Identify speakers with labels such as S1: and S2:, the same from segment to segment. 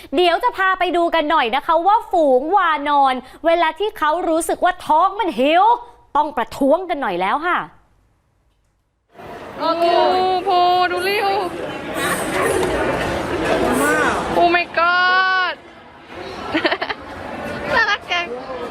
S1: เดี๋ยวจะพาไปดูกันหน่อยนะคะว่าฝูงวานอนเวลาที่เขารู้สึกว่าท้องมันหิวต้องประท้วงกันหน่อยแล้วค่ะ
S2: โอ้โหดูริวโอ้ my god น่ารักจัง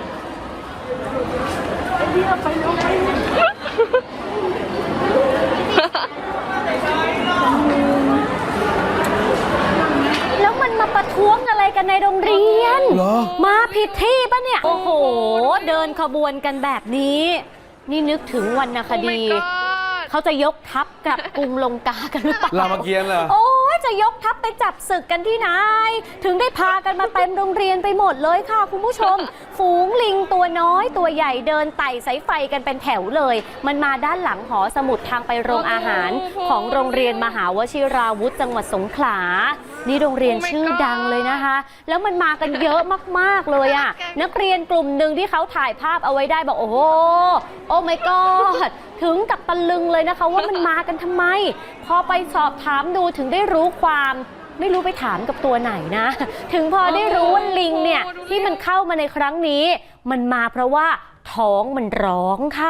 S1: แล้วมันมาประท้วงอะไรกันในโรงเรียนมาผิดที่ปะเนี่ยโอ้โหเดินขบวนกันแบบนี้นี่นึกถึงวรรณคดีเขาจะยกทัพกับกรุงลงกากันหรือเปล่าร
S3: ามเกียรติ์เหรอ
S1: โอ้ยจะยกทัพไปจับศึกกันที่ไหนถึงได้พากันมาเต็มโรงเรียนไปหมดเลยค่ะคุณผู้ชม ฝูงลิงตัวน้อยตัวใหญ่เดินไต่สายไฟกันเป็นแถวเลยมันมาด้านหลังหอสมุดทางไปโรงอาหารของโรงเรียนมหาวชิราวุธจังหวัดสงขลานี่โรงเรียนชื่อดังเลยนะคะแล้วมันมากันเยอะมากๆเลยอ่ะนักเรียนกลุ่มหนึ่งที่เขาถ่ายภาพเอาไว้ได้บอกโอ้โหโอ้ my god ถึงกับตะลึงเลยนะคะว่ามันมากันทำไมพอไปสอบถามดูถึงได้รู้ความไม่รู้ไปถามกับตัวไหนนะถึงพอได้รู้ว่าลิงเนี่ยที่มันเข้ามาในครั้งนี้มันมาเพราะว่าท้องมันร้องค่ะ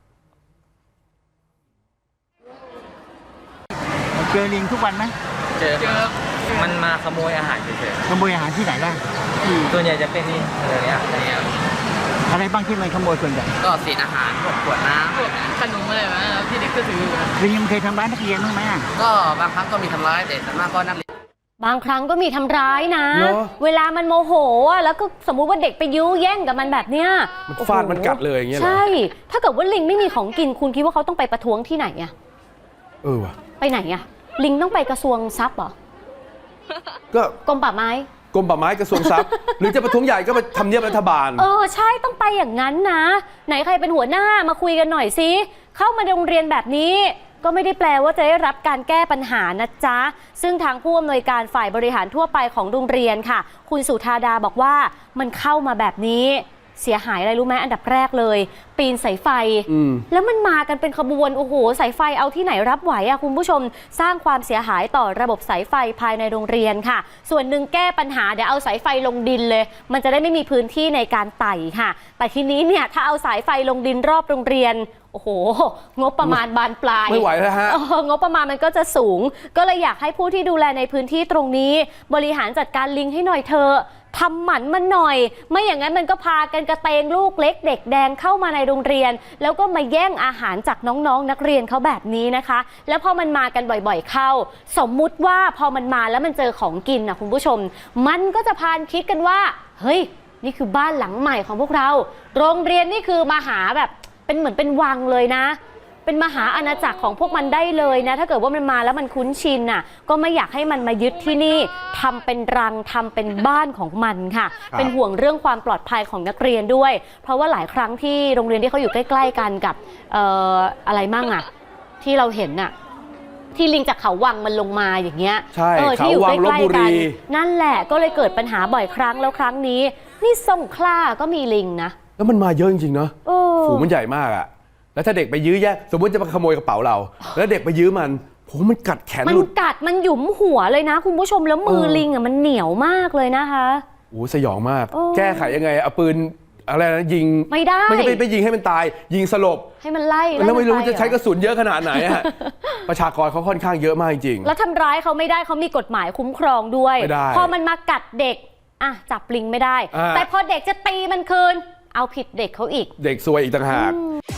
S4: เจอลิงทุกวันไหม
S5: เจอมันมาขโมยอาหารเฉย
S4: ๆขโมยอาหารที่ไหนบ้าง
S5: ส่วนใหญ่จะเป็นนี่อะไรเนี่ย
S4: อะไรบ้างที่มันขโมยส่วนใหญ่
S5: ก็เศษอาหารพวกขวดน้
S2: ำขนมอะไรวะที่เด็กก็ถือ
S4: ลิงยังเคยทำร้ายนักเรียนบ้างไหม
S5: ก็บางครั้งก็มีทำร้ายแต่ส่วนมากก็นักเรียน
S1: บางครั้งก็มีทำร้ายนะเวลามันโมโหแล้วก็สมมุติว่าเด็กไปยื้อแย่งกับมันแบบเนี้ย
S3: มันฟาดมันกัดเลยอย่างเงี้ย
S1: ใช่ถ้าเกิดว่าลิงไม่มีของกินคุณคิดว่าเขาต้องไปประท้วงที่ไหนอะ
S3: ว่ะ
S1: ไปไหนอะลิงต้องไปกระทรวงทรัพย์เหรอ
S3: ก็
S1: กรมป่าไม้
S3: กระทรวงทรัพย์ หรือจะประท้วงใหญ่ก็ไปทำเนียบรัฐบาล
S1: ใช่ต้องไปอย่างนั้นนะไหนใครเป็นหัวหน้ามาคุยกันหน่อยสิเข้ามาโรงเรียนแบบนี้ก็ไม่ได้แปลว่าจะได้รับการแก้ปัญหานะจ๊ะซึ่งทางผู้อำนวยการฝ่ายบริหารทั่วไปของโรงเรียนค่ะคุณสุธาดาบอกว่ามันเข้ามาแบบนี้เสียหายอะไรรู้ไหมอันดับแรกเลยปีนสายไฟแล้วมันมากันเป็นขบวนโอ้โหสายไฟเอาที่ไหนรับไหวอะคุณผู้ชมสร้างความเสียหายต่อระบบสายไฟภายในโรงเรียนค่ะส่วนหนึ่งแก้ปัญหาเดี๋ยวเอาสายไฟลงดินเลยมันจะได้ไม่มีพื้นที่ในการไต่ค่ะแต่ทีนี้เนี่ยถ้าเอาสายไฟลงดินรอบโรงเรียนโอ้โหงบประมาณบานปลาย
S3: ไม่ไหวแล้วฮะ
S1: งบประมาณมันก็จะสูงก็เลยอยากให้ผู้ที่ดูแลในพื้นที่ตรงนี้บริหารจัดการลิงให้หน่อยเถอะทำหมันมันหน่อยไม่อย่างนั้นมันก็พากันกระเตงลูกเล็กเด็กแดงเข้ามาในโรงเรียนแล้วก็มาแย่งอาหารจากน้องๆนักเรียนเขาแบบนี้นะคะแล้วพอมันมากันบ่อยๆเข้าสมมุติว่าพอมันมาแล้วมันเจอของกินนะคุณผู้ชมมันก็จะพานคิดกันว่าเฮ้ยนี่คือบ้านหลังใหม่ของพวกเราโรงเรียนนี่คือมหาแบบเป็นเหมือนเป็นวังเลยนะเป็นมหาอาณาจักรของพวกมันได้เลยนะถ้าเกิดว่ามันมาแล้วมันคุ้นชินน่ะก็ไม่อยากให้มันมายึดที่นี่ทำเป็นรังทำเป็นบ้านของมันค่ะเป็นห่วงเรื่องความปลอดภัยของนักเรียนด้วยเพราะว่าหลายครั้งที่โรงเรียนที่เขาอยู่ใกล้ๆกันกับอะไรมั่งอ่ะที่เราเห็นน่ะที่ลิงจากเขาวังมันลงมาอย่างเงี้ยที่อยู่ใกล้ๆกันนั่นแหละก็เลยเกิดปัญหาบ่อยครั้งแล้วครั้งนี้นี่สงขลาก็มีลิงนะ
S3: แล้วมันมาเยอะจริงๆเนาะฝูงมันใหญ่มากอะแล้วถ้าเด็กไปยื้อแย่สมมติจะมาขโมยกระเป๋าเราแล้วเด็กไปยื้อมันมันกัดแขน
S1: มันกัดมันหยุมหัวเลยนะคุณผู้ชมแล้วมือลิงอ่ะมันเหนียวมากเลยนะคะ
S3: สยองมากแก้ไขยังไงเอาปืนอะไรนะยิง
S1: ไม่ได้
S3: ไม่ใช่ไปยิงให้มันตายยิงสลบ
S1: ให้มันไล่
S3: แล้วไม่รู้จะใช้กระสุนเยอะขนาดไหนฮะประชากรเขาค่อนข้างเยอะมากจริง
S1: แล้วทำร้ายเขาไม่ได้เขามีกฎหมายคุ้มครองด้วยพอมันมากัดเด็กจับลิงไม่ได้แต่พอเด็กจะตีมันคืนเอาผิดเด็กเขาอีก
S3: เด็กซวยอีกต่างหาก